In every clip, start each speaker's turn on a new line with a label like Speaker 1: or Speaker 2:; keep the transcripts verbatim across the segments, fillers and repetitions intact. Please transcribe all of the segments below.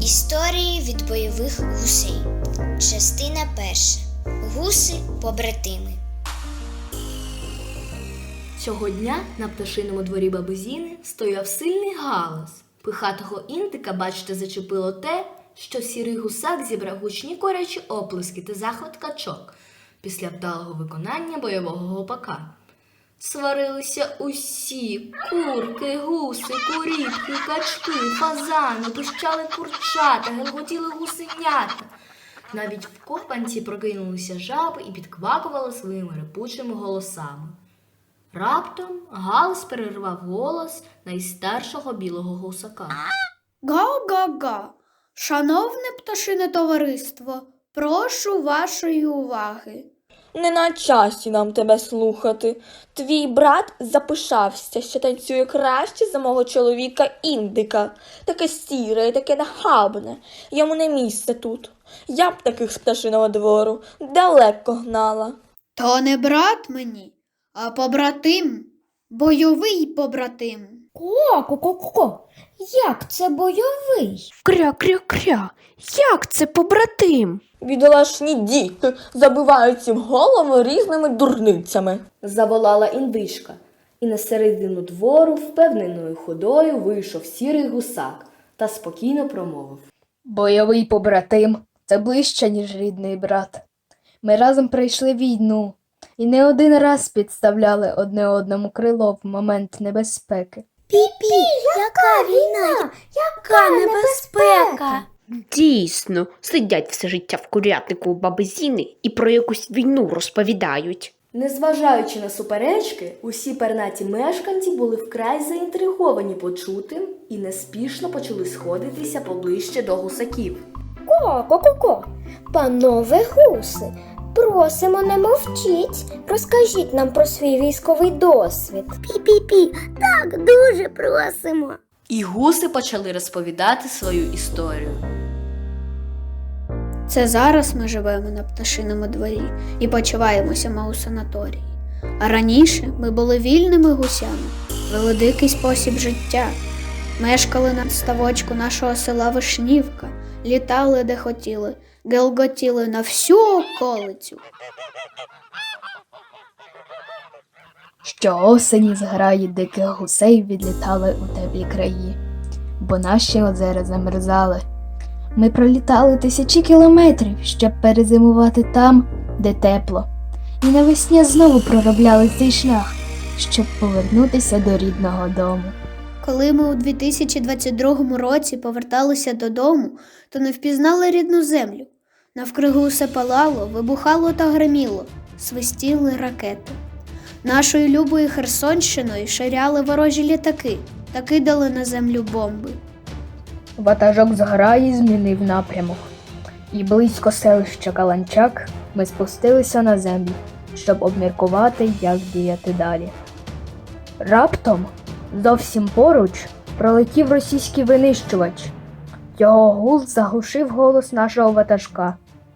Speaker 1: Історії від бойових гусей. Частина перша. Гуси-побратими.
Speaker 2: Цього дня на пташиному дворі баби Зіни стояв сильний галас. Пихатого індика, бачите, зачепило те, що сірий гусак зібрав гучні корячі оплески та захват качок після вдалого виконання бойового гопака. Сварилися усі – курки, гуси, куріпки, качки, фазани, пищали курчата, гелготіли гусенята. Навіть в копанці прокинулися жаби і підквакували своїми репучими голосами. Раптом галас перервав голос найстаршого білого гусака.
Speaker 3: Га-га-га! Шановне пташине товариство, прошу вашої уваги.
Speaker 4: Не на часі нам тебе слухати. Твій брат запишався, що танцює краще за мого чоловіка індика. Таке сіре і таке нахабне. Йому не місце тут. Я б таких з пташиного двору далеко гнала.
Speaker 3: То не брат мені, а побратим. Бойовий побратим.
Speaker 5: Ко-ко-ко-ко, як це бойовий?
Speaker 6: Кря-кря-кря, як це побратим?
Speaker 4: Бідолашні діти забивають їм голову різними дурницями.
Speaker 2: Заволала індичка, і на середину двору впевненою ходою вийшов сірий гусак та спокійно промовив.
Speaker 5: Бойовий побратим – це ближче, ніж рідний брат. Ми разом пройшли війну і не один раз підставляли одне одному крило в момент небезпеки.
Speaker 3: Пі-пі, яка війна? Яка небезпека?
Speaker 6: Дійсно, сидять все життя в курятнику у баби Зіни і про якусь війну розповідають.
Speaker 2: Незважаючи на суперечки, усі пернаті мешканці були вкрай заінтриговані почутим і неспішно почали сходитися поближче до гусаків.
Speaker 7: Ко-ко-ко-ко, панове гуси, просимо, не мовчіть, розкажіть нам про свій військовий досвід.
Speaker 8: Пі-пі-пі, так, дуже просимо.
Speaker 2: І гуси почали розповідати свою історію.
Speaker 3: Це зараз ми живемо на пташиному дворі і почуваємося ми у санаторії. А раніше ми були вільними гусями, вели дикий спосіб життя. Мешкали на ставочку нашого села Вишнівка, літали де хотіли, гелготіли на всю околицю.
Speaker 5: Щоосені зграї диких гусей відлітали у теплі краї, бо наші озера замерзали. Ми пролітали тисячі кілометрів, щоб перезимувати там, де тепло. І навесні знову проробляли цей шлях, щоб повернутися до рідного дому.
Speaker 3: Коли ми у дві тисячі двадцять другому році поверталися додому, то не впізнали рідну землю. Навкруги усе палало, вибухало та гриміло, свистіли ракети. Нашою любою Херсонщиною ширяли ворожі літаки та кидали на землю бомби.
Speaker 5: Ватажок зграї змінив напрямок, і близько селища Каланчак ми спустилися на землю, щоб обміркувати, як діяти далі. Раптом, зовсім поруч, пролетів російський винищувач. Його гул заглушив голос нашого ватажка.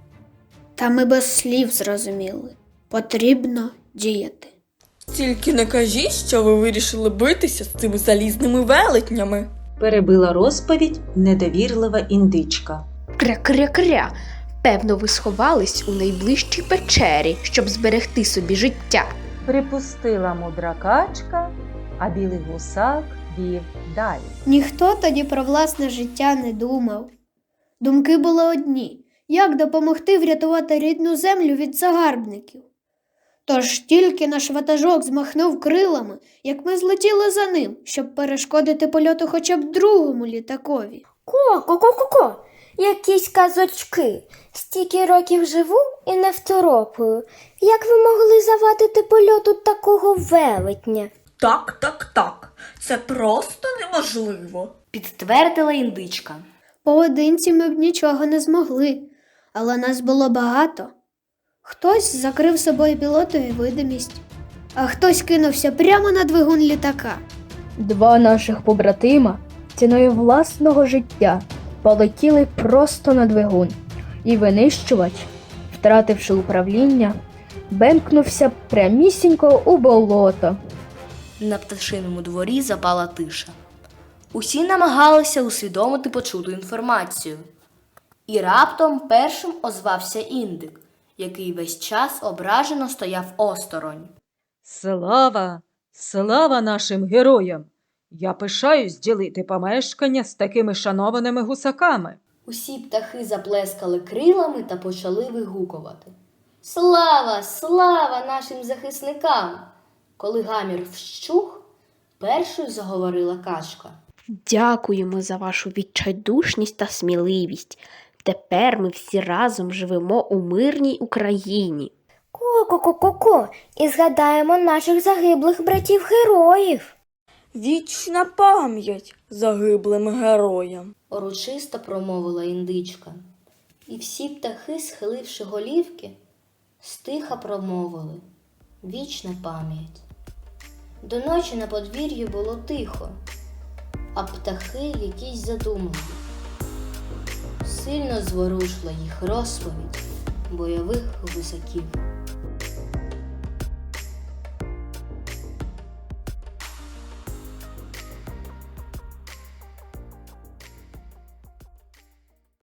Speaker 3: Та ми без слів зрозуміли. Потрібно діяти.
Speaker 4: Тільки не кажіть, що ви вирішили битися з цими залізними велетнями.
Speaker 9: Перебила розповідь недовірлива індичка.
Speaker 6: Кря-кря-кря, певно, ви сховались у найближчій печері, щоб зберегти собі життя.
Speaker 9: Припустила мудра качка, а білий гусак вів далі.
Speaker 3: Ніхто тоді про власне життя не думав. Думки були одні – як допомогти врятувати рідну землю від загарбників. Тож тільки наш ватажок змахнув крилами, як ми злетіли за ним, щоб перешкодити польоту хоча б другому літакові.
Speaker 7: Ко-ко-ко-ко, якісь казочки. Стільки років живу і не второпаю. Як ви могли завадити польоту такого велетня?
Speaker 4: Так, так, так. Це просто неможливо.
Speaker 2: Підтвердила індичка.
Speaker 3: Поодинці ми б нічого не змогли, але нас було багато. Хтось закрив собою пілотові видимість, а хтось кинувся прямо на двигун літака.
Speaker 5: Два наших побратима ціною власного життя полетіли просто на двигун, і винищувач, втративши управління, бемкнувся прямісінько у болото.
Speaker 2: На пташиному дворі запала тиша. Усі намагалися усвідомити почуту інформацію. І раптом першим озвався індик, який весь час ображено стояв осторонь.
Speaker 9: Слава, слава нашим героям! Я пишаюсь ділити помешкання з такими шанованими гусаками.
Speaker 2: Усі птахи заплескали крилами та почали вигукувати. Слава, слава нашим захисникам! Коли гамір вщух, першою заговорила качка.
Speaker 6: Дякуємо за вашу відчайдушність та сміливість. Тепер ми всі разом живемо у мирній Україні.
Speaker 7: Ко-ко-ко-ко-ко, і згадаємо наших загиблих братів-героїв.
Speaker 4: Вічна пам'ять загиблим героям.
Speaker 2: Урочисто промовила індичка. І всі птахи, схиливши голівки, стиха промовили. Вічна пам'ять. До ночі на подвір'ї було тихо, а птахи якісь задумали. Сильно зворушила їх розповідь бойових гусаків.